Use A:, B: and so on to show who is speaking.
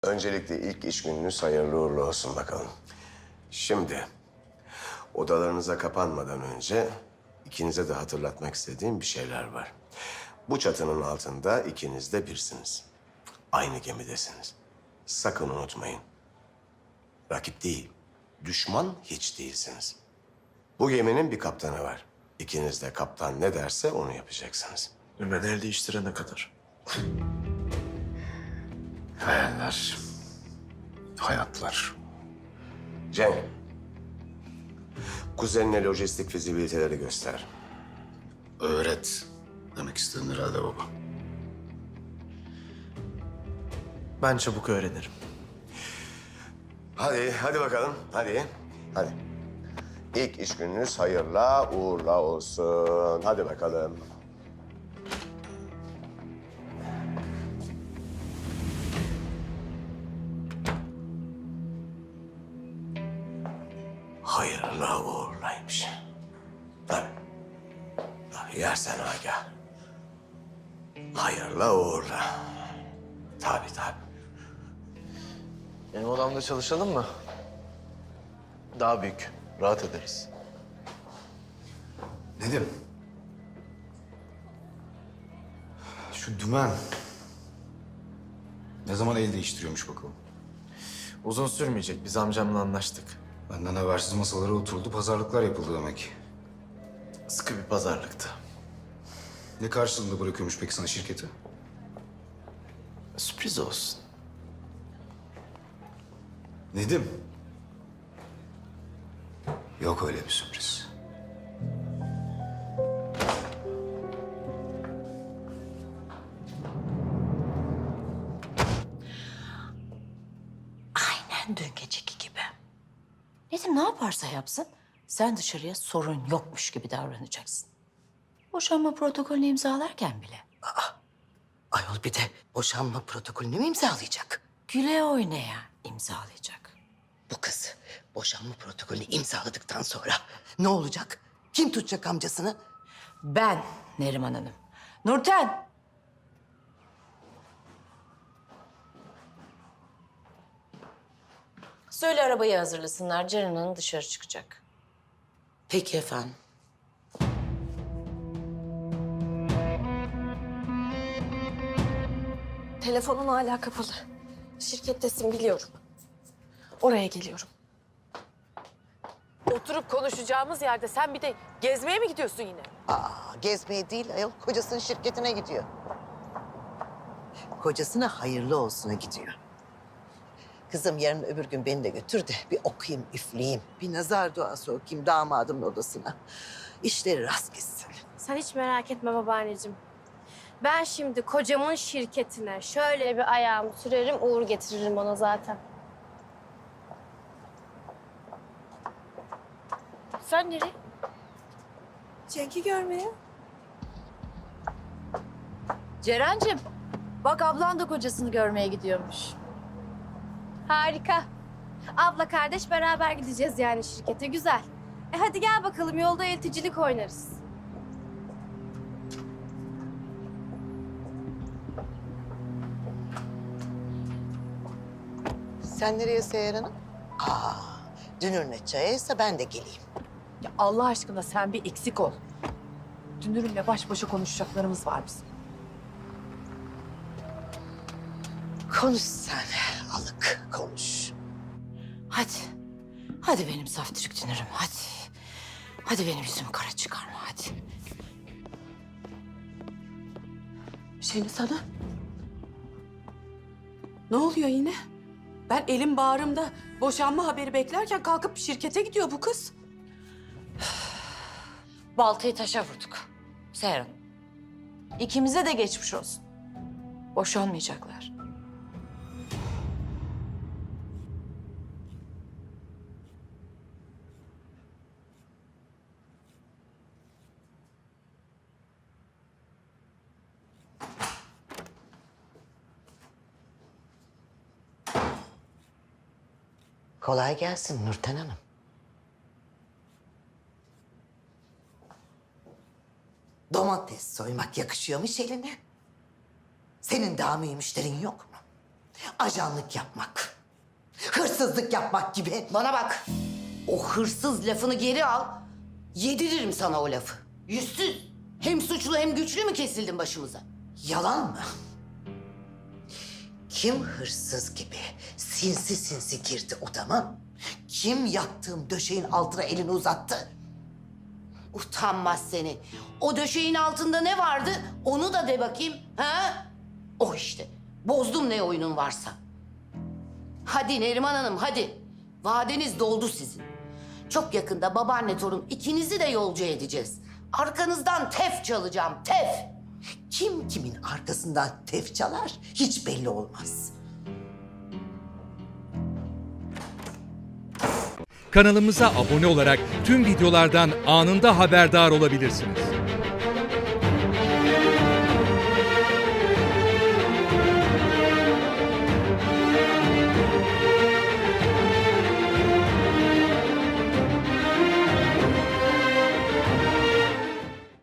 A: Öncelikle ilk iş gününüz hayırlı uğurlu olsun bakalım. Şimdi odalarınıza kapanmadan önce ikinize de hatırlatmak istediğim bir şeyler var. Bu çatının altında ikiniz de birsiniz. Aynı gemidesiniz. Sakın unutmayın. Rakip değil, düşman hiç değilsiniz. Bu geminin bir kaptanı var. İkiniz de kaptan ne derse onu yapacaksınız.
B: Ben el değiştirene kadar.
C: Hayaller, hayatlar.
A: Cenk, kuzenine lojistik fizibiliteleri göster.
C: Öğret demek istedin herhalde baba.
B: Ben çabuk öğrenirim.
A: Hadi bakalım. Hadi. İlk iş gününüz hayırla uğurla olsun. Hadi bakalım. Hayırla uğurlaymış. Tabii yersen Agah. Hayırla uğurla. Tabii.
B: Benim odamda çalışalım mı? Daha büyük. Rahat ederiz.
C: Nedim. Şu dümen ne zaman el değiştiriyormuş bakalım.
B: Uzun sürmeyecek. Biz amcamla anlaştık.
C: Benden habersiz masalara oturuldu, pazarlıklar yapıldı demek.
B: Sıkı bir pazarlıktı.
C: Ne karşılığında bırakıyormuş peki sana şirketi?
B: Sürpriz olsun.
C: Nedim. Yok öyle bir sürpriz.
D: Aynen dün geceki gibi. Nedim ne yaparsa yapsın, sen dışarıya sorun yokmuş gibi davranacaksın. Boşanma protokolünü imzalarken bile.
E: Ayol bir de boşanma protokolünü mü imzalayacak?
D: Güle oynaya imzalayacak.
E: Bu kız boşanma protokolünü imzaladıktan sonra ne olacak? Kim tutacak amcasını?
D: Ben Neriman Hanım. Nurten! Söyle arabayı hazırlasınlar. Ceren Hanım dışarı çıkacak.
E: Peki efendim.
F: Telefonun hala kapalı. Şirkettesin biliyorum. Oraya geliyorum.
G: Oturup konuşacağımız yerde sen bir de gezmeye mi gidiyorsun yine?
E: Gezmeye değil ayol kocasının şirketine gidiyor. Kocasına hayırlı olsuna gidiyor. Kızım yarın öbür gün beni de götür de bir okuyayım, üfleyeyim. Bir nazar duası okuyayım damadımın odasına. İşleri rast gitsin.
F: Sen hiç merak etme babaanneciğim. Ben şimdi kocamın şirketine şöyle bir ayağımı sürerim, uğur getiririm ona zaten. Sen nereye? Cenk'i görmeye.
D: Ceren'cim, bak ablan da kocasını görmeye gidiyormuş.
F: Harika. Abla kardeş beraber gideceğiz yani şirkete. Güzel. Hadi gel bakalım yolda elticilik oynarız.
E: Sen nereye Seher Hanım? Dünürüne çayaysa ben de geleyim.
G: Ya Allah aşkına sen bir eksik ol. Dünürümle baş başa konuşacaklarımız var bizim.
E: Konuş sen, alık konuş.
D: Hadi. Hadi benim saftirik dünürüm, hadi. Hadi benim yüzümü kara çıkarma, hadi.
G: Şeni sana. Ne oluyor yine? Ben elim bağrımda boşanma haberi beklerken kalkıp şirkete gidiyor bu kız.
D: Baltayı taşa vurduk. Seher Hanım. İkimize de geçmiş olsun. Boşanmayacaklar.
E: Kolay gelsin Nurten Hanım. Domates soymak yakışıyormuş eline. Senin daha mühim müşterin yok mu? Ajanlık yapmak, hırsızlık yapmak gibi.
H: Bana bak. O hırsız lafını geri al. Yediririm sana o lafı. Yüzsüz. Hem suçlu hem güçlü mü kesildin başımıza?
E: Yalan mı? Kim hırsız gibi sinsi sinsi girdi odama? Kim yattığım döşeğin altına elini uzattı?
H: Utanmaz seni. O döşeğin altında ne vardı? Onu da de bakayım. Ha? O işte. Bozdum ne oyunun varsa. Hadi Neriman Hanım hadi. Vadeniz doldu sizin. Çok yakında babaanne torun ikinizi de yolcu edeceğiz. Arkanızdan tef çalacağım, tef.
E: Kim kimin arkasından tef çalar hiç belli olmaz.
I: Kanalımıza abone olarak tüm videolardan anında haberdar olabilirsiniz.